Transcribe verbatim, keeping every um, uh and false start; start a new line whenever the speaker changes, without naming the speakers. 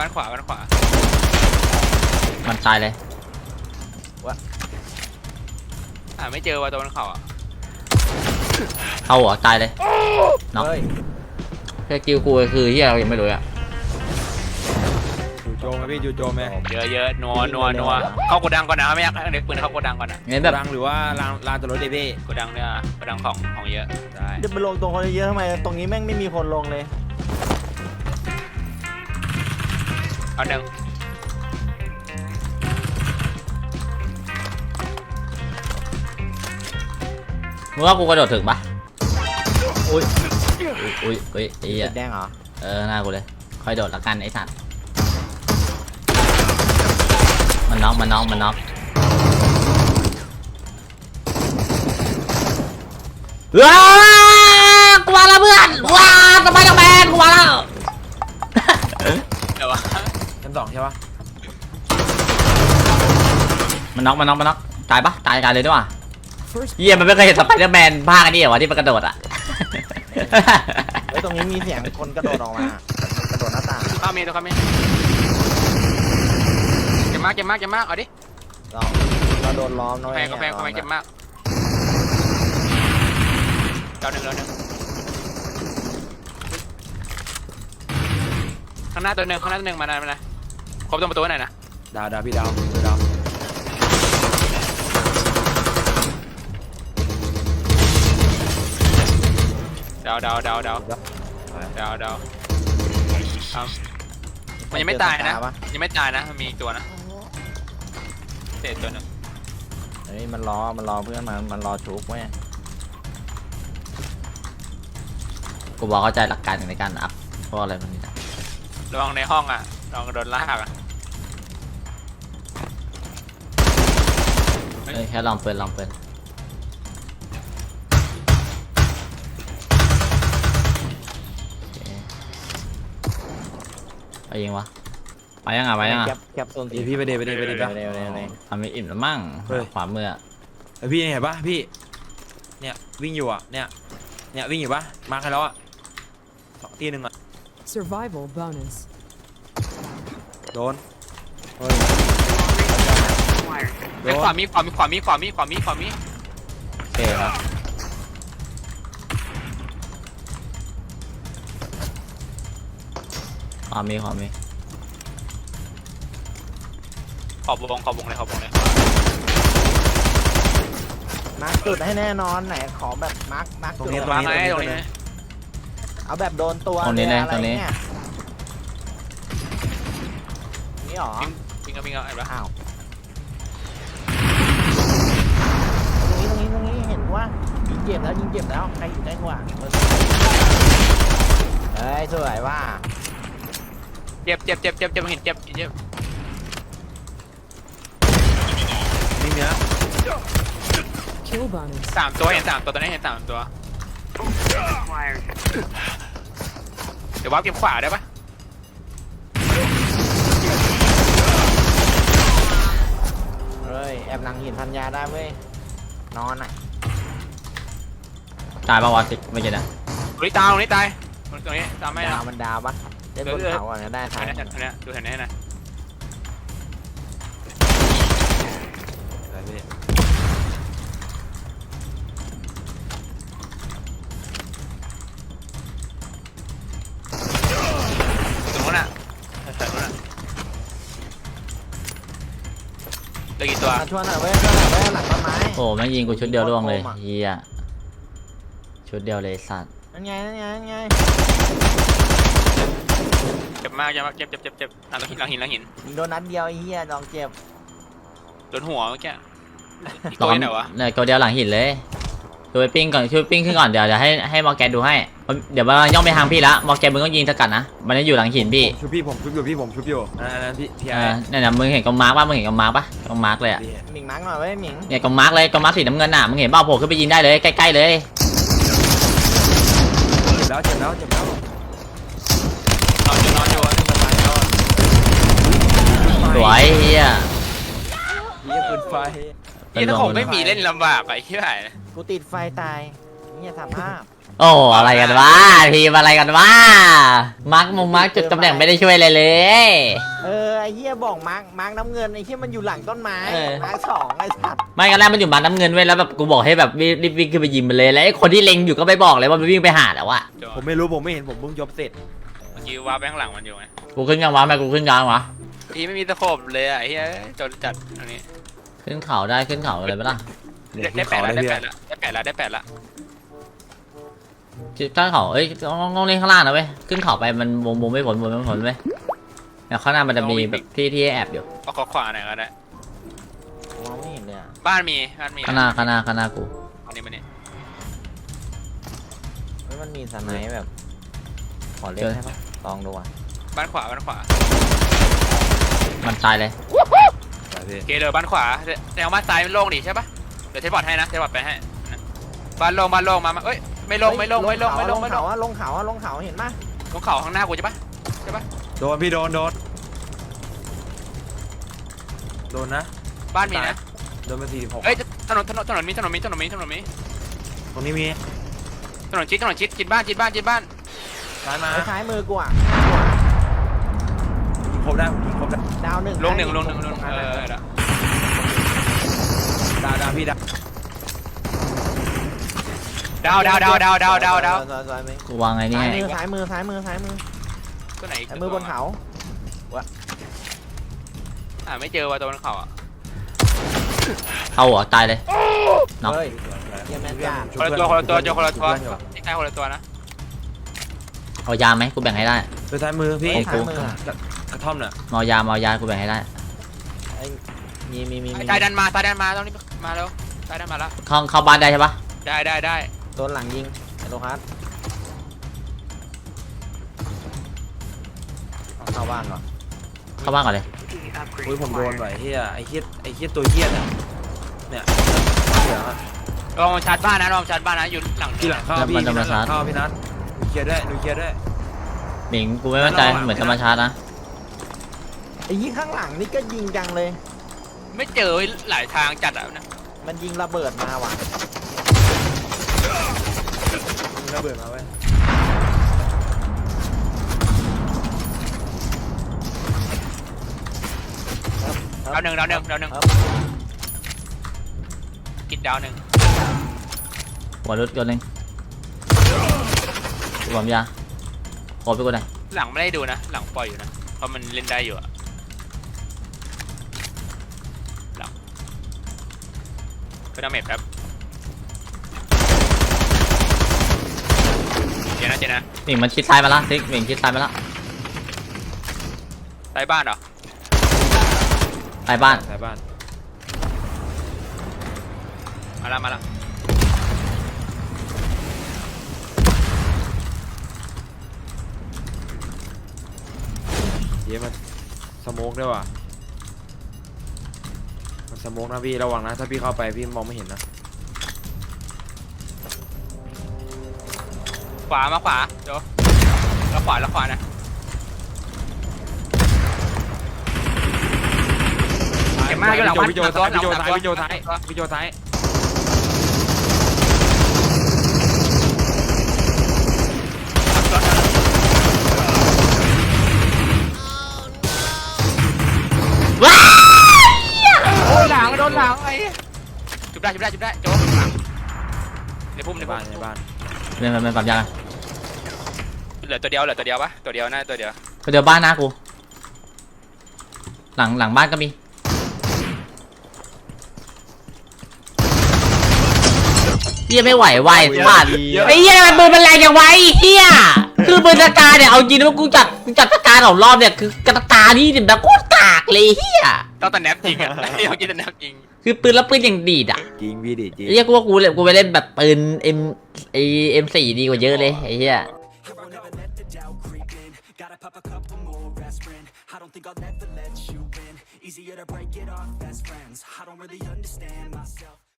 บ้านขวาบ้านขวา
มันตายเลยว
ะ
อ่าไม่เจอว่ะตัวบนเขาอ่ะ
เอาหัวตายเลยเนาะ
เฮ้ย
แค่กิวกูคือที่เรายังไม่รู้อะ
จู่โจมไหมพี่จู่โจมไหม
เยอะเยอะนัวนัวนัวเข้าโกดังก่อนนะไม่อยากให้เด็กปืนเข้าโกดังก่อนนะ
งั้นแบบ
รังหรือว่าลานลานจอดรถเดพี่
โกดังเนี่ยโกดังของของเยอะได้
จะไปลงตรงคนเยอะทำไมตรงนี้แม่งไม่มีคนลงเลย
เอาหนึ่ง
มึงว่ากูกระโดดถึงปะอุ้ยอุ้ยอุ้ยไอ้เหี้ย
แดงเหรอ
เออหน้ากูเลยค่อยโดดละกันไอ้สัตว์มันน็อกมันน็อกมันน็อกว้ากลัวแล้วเพื่อนว้าสไปเดอร์แมนกลัวแล้ว
เดี๋ยววะ
ชั้นสองใช่ปะ
มันน็อกมันน็อกมันน็อกตายปะตายตายเลยด้วยว่ะเยี่ยมันไม่เคยเห็นสไปเดอร์แมนภาคอันนี้เหรอวะที่มันกระโดดอ่ะ
เฮ้ยตรงนี้มีเสียงคนกระโดดออกมากระโดดหน้าต่าง
ข้ามีตัวข้ามีเจ็บมากเจ็บมากเจ็บมากเอาดิ
เราเราโดนล้อมนะ
แพ
เว้ย
งก็แพงก็แพงเจ็บมากเราหนึ่งเราหนึ่งข้างหน้าตัวหนึ่งข้างหน้าตัวหนึ่งมาหน่อยมาหน่อยครบตัวประตูไหนนะ
ดาวดาวพี่ดาวดาว
ดาวดาวดาวดาวดาวดาวเอามันยังไม่ตายนะยังไม่ตายนะมันมีอีกตัวนะเศษตัวหนึ่ง
เฮ้ยมันรอมันรอเพื่อนมันมันรอชุบเว้ย
กูบอกเข้าใจหลักการในการอัพเพราะอะไรมันนี่นะ
ระวังในห้องอ่ะระวังโดนลากอ่ะ
เอ้ยแค่ลองเปิดลองเปิดไปยิงวะไปยังอ่ะไปยังอ่ะ
แคปแคปโซน
เดี๋ยวพี่ไปเดไปเดไปเด
เร็
ปะ
วเร็วเร็วเร็ว
ทำไม่อิ่มแล้วมั่งขวามือ
ไอพี่เห็นปะพี่เนี่ยวิ่งอยู่อ่ะเนี่ยเนี่ยวิ่งอยู่ปะมาใครแล้วอ่ะสองตีหนึ่งอ่ะ
Survival bonus.
โดน
ไอ้ขวามีขวามีขวามีขวามีขวามีขวามี
โอเคครับขวามีขวามี
ขอบวงขอบวงเลยขอบวงเลย
มาร์คจุดให้แน่นอนไหนขอแบบมาร์คมาร์คจุด
วางไงตรงนี้
เอาแบบโดนตัว
ตรงนี้เลย
อะไร
ตรงนี้
เงี้ยนี่หรอ
วิ่งก็วิ่งก็ไอ้บ้า
อ้าวตรงนี้ตรงนี้ตรงนี้เห็นว่ายิงเจ็บแล้วยิงเจ็บแล้วใครอยู่ใกล้กว่าเฮ้ยสวยว่า
เจ็บเจ็บเจ็บเจ็บเจ็บเห็นเจ็บเจ็บ
นี่เนี้ย
Kill bonus.
สามตัวเห็นสามตัวตอนนี้เห็นสามตัวเดี๋ยววับเก็บขวาได้ปะ
เฮ้ยแอบหลังหินพันยาได้เว้ยนอนอ่ะ
ตายปะวะสิไม่ใช่นะ
ตรงนี้ตายตรงนี้ตายตรงนี้ตามไม่
ดา
นะ
วมันดาวปะเล่นบนเขาอ่ะได้
อั
ท้าน ย
นี้อันนี้ดูเห็นไหมนะ
อะไรพี่
ตรงนู้นอ่ะแถวนู้นอ่ะเหลือกี่ตัว
มาชวนหน่อยเว้ยชวนหน่อยเว้ยหลังต้นไม้
โอ้แม่งยิงกูชุดเดียวร่วงเลยเฮียชุดเดียวเลยสัตว์
นั่นไงนั่นไงนั่นไง
เจ็บมากเจ็บมากเจ็บเจ็บเจ็บเจ็บหลังหินหลังหินหลังหิน
ยิงโดนนัดเดียวไอ้เหี้ยน้องเจ็บ
โดนหัวเมื่อกี้อีกตัวไหนวะ
เนี่ยตัวเดียวหลังหินเลยดูไปปิ้งก่อนช่วยปิ้งขึ้นก่อนเดี๋ยวเดี๋ยวให้ให้มอร์แกนดูให้เดี๋ยวมันย่องไปทางพี่ละมอร์แกนมึงต้องยิงสกัดนะมันจะอยู่หลังหินพี่
ชุบพี่ผมชุบอยู่พี่ผมชุบอยู่นั่นนั่นพี่พี่
เอ
ไอ้
อเนี่ยนะมึงเห็นกองมาร์กป่ะมึงเห็นกองมาร์กป่ะกองมาร์กเลยอ่ะ
พี่
หมิงมาร์กหน่อยเว้ยหมิง
เนี่ยกองมาร์กเลยกองมาร์กสีน้ำเงินน่ะมึงเห็นเปล่าโผล่ขึ้นไปยิงได้เลยใกล้ๆเลย
เจ็บแล้วเจ็บแล้วเจ็บแล้ว
นอนอยู่นอนอยู่
สวยเฮีย
เยี่ยปืนไฟ
ยี่ถ้าผมไม่มีเล่นลำบากอะไอ้ที่ไหน
กูติดไฟตายนี่สามภาพ
เโอ้อะไรกันวะทีมอะไรกันวะมาร์กมุมมาร์กจุดตำแหน่งไม่ได้ช่วยอะไรเลย
เออไอ้เหี้ยบอกมาร์กมาร์กน้ำเงินไอ้เหี้ยมันอยู่หลังต้นไม้
เออ
มาร์กสองไอ้สัตว์
ไม่กันแรกมันอยู่มาน้ำเงินไว้แล้วแบบกูบอกให้แบบรีบวิ่งขึ้นไปยิงมันเลยแล้วไอ้คนที่เล็งอยู่ก็ไม่บอกเลยว่ามันวิ่งไปหาแล้วอะ
จอ
ผมไม่รู้ผมไม่เห็นผมเพิ่งยกเสร็จ
เมื่อกี้ว่าไปข้างหลังมันอยู่ไง
กูขึ้นยังวะแม่กูขึ้นยังวะ
พี่ไม่มีตะโขบเลยอ่ะไอ้เหี้ยจนจัดตรงนี้
ขึ้นเขาได้ขึ้นเขาอะไรไปล่ะ
ได้ได้แปดละได้แปดละได้แปดละได้แปดละ
ขึ้นเขาเอ้ยต้องต้องเล่นข้างล่างนะเว้ยขึ้นเขาไปมันวงวงไม่ผลวงไม่ผลเว้ยแต่ข้างหน้ามันจะมีแบบที่ที่แอบอยู่
เอาขอขวาหน่อยก็ได้
มองไม่เห็นเลยอะ
บ้านมีบ้านมี
ข้างหน้าข้างหน้าข้างหน้ากู
อันนี้มันนี่
เฮ้ยมันมีสไนป์แบบขอเล่นให้ปะลองดูอ่ะ
บ้านขวาบ้านขวา
มันตายเลย
ไปพี่
โอเคเลยบ้านขวาแนวบ้านซ้ายมันโล่งดิใช่ปะเดี๋ยวเทปบอร์ดให้นะเทปบอร์ดไปให้นะบ้านโล่งบ้านโล่งมามาเอ้ยไม่โล่งไม่โล่งไม่โล่งไม่โล่งไม่โล่
เขา
ง
อะลงเขาอะลงเขาเห็นปะ
ลงเขาข้างหน้ากูใช่ปะใช่ปะ
โดนพี่โดนโดนโดนนะ
บ้านมีนะ
โดนมาสี่สิบหก
เอ้ยถนนถนนถนนมีถนนมีถนนมีถนนมี
ตรงนี้มี
ถนนชิดถนนชิดชิดบ้านชิดบ้านชิดบ้าน
ซ้ายมา
ไอ้ซ้ายมือกูอ่ะ
ยิงครบได้ผมยิงครบได้
ดาวหนึ่ง
ลงหนึ่งลงหนึ่งลงหนึ่ง
ตร
เอ
นั้น
อ
อะ
เออ
ดาวดาวพี่ดาว
ดาวดาวดาวดาวดาวดาวดาว
ซ้ายซ้ายมือ
กูวางไงนี่
ซ้าย
ให้
มือซ้ายมือซ้ายมือซ้ายมือ
ตัวไหน
ซ้ายมือบนเขา
อ่าไม่เจอว่ะตัวบนเขาอ่ะ
เอาเหรอตายเลย เนาะ
เฮ้ยเยี่ยมแม่จ้า
คนละตัวคนละตัวเจอคนละตัวนี่ใกล้คนละตัวนะ
เอายาไหมกูแบ่งให้ได้
ไปซ้ายมือพี่
ไอ้ซ้ายมืออะ
กระท่อมน่ะ
เอายาเอายากูแบ่งให้ได้
ไอ้มีมีมีมี
ซ้ายดันมาซ้ายดันมาตรงนี้มาแล้วซ้ายดันมาแล้ว
เข้าเข้าบ้านได้ใช่ปะ
ได้ได้ได้
โดนหลังยิงไอ้โลคัสเอาเข้าบ้านก่อน
เข้าบ้านก่อนเลย
อุ้ยผมโดนว่ะไอ้เฮียไอ้เฮียไอ้เฮียตัวเฮียเนี่ยเนี่ยเหลืองอะ
ลองชาร์จบ้านนะลองชาร์จบ้านนะอยู่หลัง
ที่หลังเข้าพี่พี่นัทหลังเข้าพี่นัทดูเคลียร์ด้วยดูเคลียร์ด้วย
หมิงกูไม่มั่นใจเหมือนจะมาชาร์จนะ
ไอ้ยิงข้างหลังนี่ก็ยิงจังเลย
ไม่เจอหลายทางจัดอ่ะนะ
มันยิงระเบิดมาว่ะ
มึงระเบิดมาเว้ย
ดาวหนึ่งดาวหนึ่งดาวหนึ่ง
ครับ
กินดาวหนึ่ง
หัวรุดตัวหนึ่งกูบอมยาขอไปกูหน่อย
หลังไม่ได้ดูนะหลังปล่อยอยู่นะเพราะมันเล่นได้อยู่อะหลังเป็นดาเมจครับเจนะเจนะ
หมิงมันชิดซ้ายมาละซิกหมิงชิดซ้ายมาละ
ใต้บ้านเหรอ
ใต้บ้าน
สายบ้าน
มาละมาละ
เย้มันสโมกด้วยว่ะมันสโมกนะพี่ระวังนะถ้าพี่เข้าไปพี่มองไม่เห็นนะ
ขวามาขวาเดี๋ยวแล้วขวาแล้วขวานะเก็บมากอยู่หลังบ้าน
พี่โจซ้ายพี่โจซ้ายพี่โจซ้ายพี่โจซ้าย
ว้า
โดนหลังโดนหลังไอ้จุบได้จุบได้จุบได้โจ๊กหลังในพุ่ม
ใน
ใน
บ้า
บ้าน น
ในบ้าน
เนี่ยมันมันปรับยา
เหลือตัวเดียวเหลือตัวเดียวปะตัวเดียวน่าตัวเดียว
ไปเดี๋ยวบ้านนะกูหลังหลังบ้านก็มีเฮียไม่ไหวไหวพลาดไอ้เฮียมันปืนมันแรงอย่างไวเฮียคือปืนตะการเนี่ยเอาจริงนะกูจัดกูจัดตะการของรอบเนี่ยคือกระตานี่แบบโคตรกากเลยเฮีย
ต้องแต่แนบจริงอ่ะเดี๋ยวกินแต่แนบจริง
คือปืนแล้วปืนอย่างดีดอ่ะ
จริงพี่ดิจริง
ไอ้เฮียกูว่ากูเลยกูไปเล่นแบบปืนเอ็มไอเอ็มสี่ดีกว่าเยอะเลยไอ้เฮีย
Gotta pop a couple more aspirin. I don't think I'll never let you in. Easier to break it off best friends. I don't really understand myself.